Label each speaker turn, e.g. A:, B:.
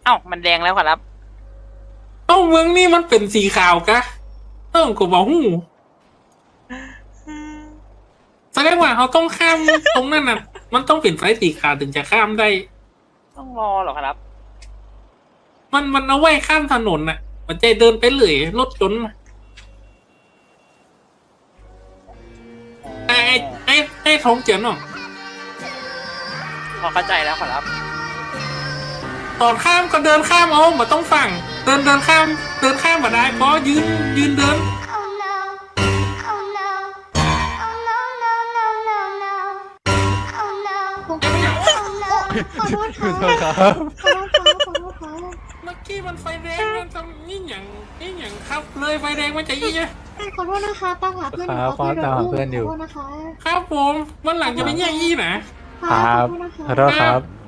A: อ้ามันแดงแล้วครับ
B: เอ้าเมืองนี่มันเป็นสีขาวกะก็บอกหูแสดงว่าเขาต้องข้ามตรงนั้นน่ะ มันต้องเป็นไฟสีขาวถึงจะข้ามได้
A: ต้องรอเหรอครับ
B: มันเอาไว้ข้ามถนนน่ะ มันจะเดินไปเลยรถยนต์น่ะไอ้ท้องเจียนอ่ะ
A: พอเข้าใจแล้วครับ
B: ตอนข้ามก็เดินข้ามเอามาต้องฝั่งเดินข้ามมาได้เพราะยืนเดิน
C: Oh no. Oh no. Oh no, no, no, no, no. Oh no. Oh no. ขอโทษค่ะขอโทษค่ะขอโทษค่ะ
B: เมื่อกี้มันไฟแดงมันทำนี่อย่างครับเลยไฟแดงมันจะยี่ไง
C: ขอโทษนะคะตามหาเพื่อน
D: ครับ
C: ขอโทษ
D: ตามหาเพื่อนอยู่
C: ขอโทษนะคะ
B: ครับผมวันหลังจะไปแย่งยี่นะ
D: ครับ
C: ขอโทษนะคะ
D: ขอโทษครับ